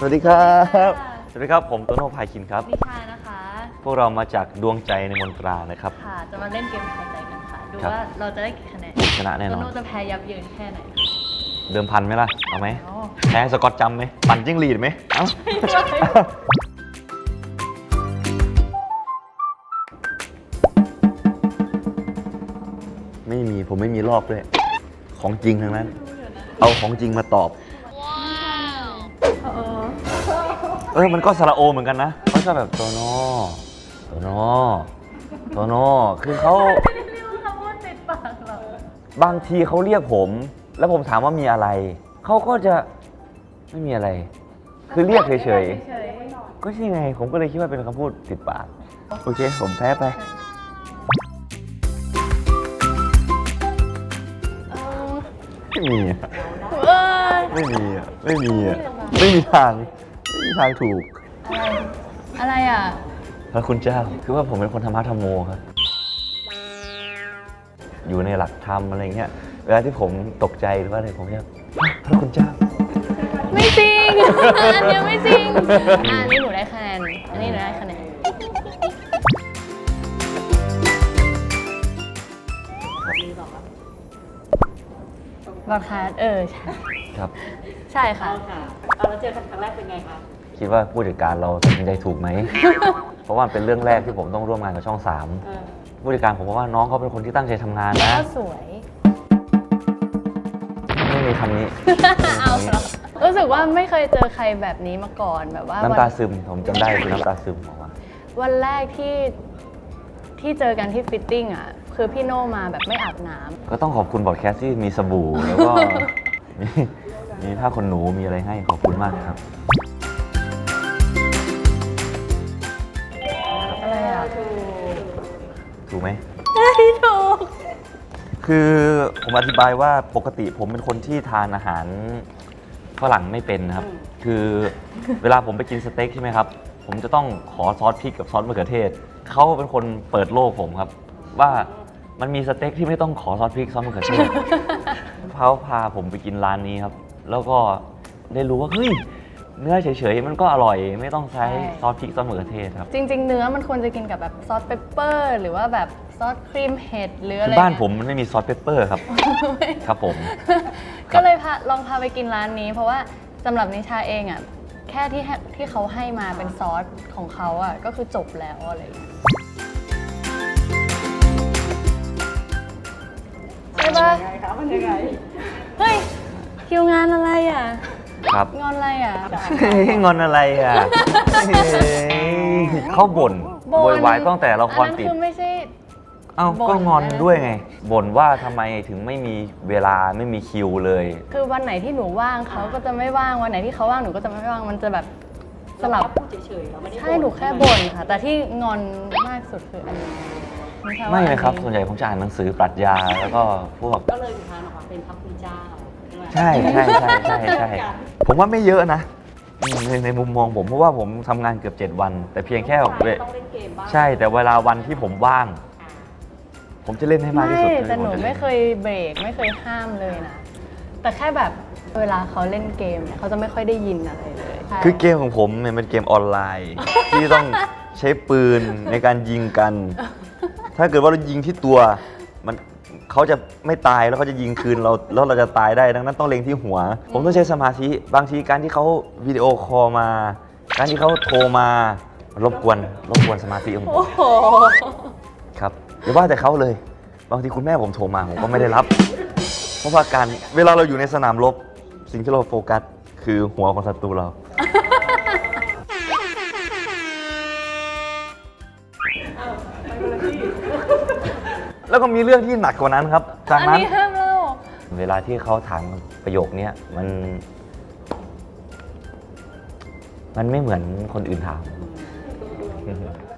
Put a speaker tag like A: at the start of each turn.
A: วัสดีครับสวัสดีครับผมโตโน่พายคินครับ
B: นิชานะคะ
A: พวกเรามาจากดวงใจในมนตรานะครับ
B: ค่ะจะมาเล่นเกมทายใจกันค่ะดูว่าเราจะได้กี่คะแนน
A: ชนะแน่นอน
B: โตโน่จะแพ้ยับเยินแค่ไหน
A: เดิมพันไหมล่ะเอาไหมแพ้สกอตจำไหมปั่นจิ้งหรีดไหมเอ้าไม่มีผมไม่มีรอบด้วยของจริงทั้งนั้นเอาของจริงมาตอบมันก็สระโอเหมือนกันนะเขาชอบแบบโตโน่โตโน่โตโน่คือเขาบางทีเขาเรียกผมแล้วผมถามว่ามีอะไรเขาก็จะไม่มีอะไรคือเรียกเฉยๆก็ใช่ไงผมก็เลยคิดว่าเป็นคำพูดติดปากโอเคผมแพ้ไปไม่มีไม่มีไม่มีไม่มีทางถูก
B: อะไรอ่ะ
A: พระคุณเจ้าคือว่าผมเป็นคนธรรมะธรรมโมครับอยู่ในหลักธรรมอะไรเงี้ยเวลาที่ผมตกใจหรือว่าอะไรผมจะพระคุณเจ้า
B: ไม่จริงอันนี้ไม่จริงอันนี้หนูได้คะแนนอันนี้หนูได้คะแนนบอดคาสใช่
A: ครับ
B: ใช่ค่ะ
C: เราเจอกันครั้งแรกเป็นไงคะ
A: คิดว่าผู้จัดการเราตัดสินใจถูกไหม เพราะว่าเป็นเรื่องแรกที่ผมต้องร่วมงานกับช่อง 3ผู้จัดการผมบอกว่าน้องเขาเป็นคนที่ตั้งใจทำงานนะ
B: ก็สวย
A: ไม่มีคำนี้
B: เอารู้สึกว่าไม่เคยเจอใครแบบนี้มาก่อนแบบว่า
A: น้ำตาซึมผมจำได้คือน้ำตาซึมบอกว่า
B: วันแรกที่เจอกันที่ฟิตติ้งอ่ะคือพี่โน่มาแบบไม่อาบน้ำ
A: ก็ต้องขอบคุณบอดแคสต์ที่มีสบู่แล้วก็มีผ้าขนหนูมีอะไรให้ขอบคุณมากครับ
B: อะไรอ่ะ
A: ถูกไหม
B: ไม่ถูก
A: คือผมอธิบายว่าปกติผมเป็นคนที่ทานอาหารฝรั่งไม่เป็นนะครับคือเวลาผมไปกินสเต็กใช่ไหมครับผมจะต้องขอซอสพริกกับซอสมะเขือเทศเขาเป็นคนเปิดโลกผมครับว่ามันมีสเต็กที่ไม่ต้องขอซอสพริกซอสมะเขือเทศเขาพาผมไปกินร้านนี้ครับแล้วก็ได้รู้ว่าเฮ้ยเนื้อเฉยๆมันก็อร่อยไม่ต้องใช้ซอสพริกซอสมะเขือเทศครับ
B: จริงๆเนื้อมันควรจะกินกับแบบซอสเปปเปอร์หรือว่าแบบซอสครีมเห็ดหรืออะไร
A: บ้านผมมันไม่มีซอสเปปเปอร์ครับครับผม
B: ก็เลยลองพาไปกินร้านนี้เพราะว่าสำหรับนิชาเองอ่ะแค่ที่เขาให้มาเป็นซอสของเขาอ่ะก็คือจบแล้วอะไรอย่างเงี้ยใช่ปะ
C: มันยังไง
B: เฮ้ยคิวงานอะไรอ่ะ
A: ครับ
B: งอนอะไรอ่ะ
A: งอนอะไรอ่ะเขาบ่นโวยวายตั้งแต่ละครติด
B: ไม่ใช่
A: ก็งอนด้วยไงบ่นว่าทำไมถึงไม่มีเวลาไม่มีคิวเลย
B: คือวันไหนที่หนูว่างเขาก็จะไม่ว่างวันไหนที่เขาว่างหนูก็จะไม่ว่างมันจะแบบสลับ
C: เฉยๆเราไม่ได้
B: ใช่หนูแค่บ่นค่ะแต่ที่งอนมากสุดคืออันนี้
A: ไม่เลยครับส่วนใหญ่ผมจะอ่านหนังสือปรัชญาแล้วก็พวก
C: ก็เลยอุทานออกมาเป็นพระคุณเจ้า
A: ใช่ผมว่าไม่เยอะนะในมุมมองผมเพราะว่าผมทำงานเกือบ7 วันแต่เพียงแค่ใช่แต่เวลาวันที่ผมว่างผมจะเล่นให้มากที่สุด
B: แต่หนูไม่เคยเบรกไม่เคยห้ามเลยนะแต่แค่แบบเวลาเขาเล่นเกมเนี่ยเขาจะไม่ค่อยได้ยินอะไรเลย
A: คือเกมของผมเนี่ยเป็นเกมออนไลน์ที่ต้องใช้ปืนในการยิงกันถ้าเกิดว่าเรายิงที่ตัวมันเขาจะไม่ตายแล้วเขาจะยิงคืนเราแล้วเราจะตายได้ดังนั้นต้องเล็งที่หัวผมต้องใช้สมาธิบางทีการที่เขาวิดีโอคอลมาการที่เขาโทรมารบกวนสมาธิของผมครับอย่าว่าแต่เขาเลยบางทีคุณแม่ผมโทรมาผมก็ไม่ได้รับเพราะว่าการเวลาเราอยู่ในสนามรบสิ่งที่เราโฟกัสคือหัวของศัตรูเราแล้วก็มีเรื่องที่หนักกว่านั้นครับจากนั้นเวลาที่เขาถามประโยคนี้มันไม่เหมือนคนอื่นถาม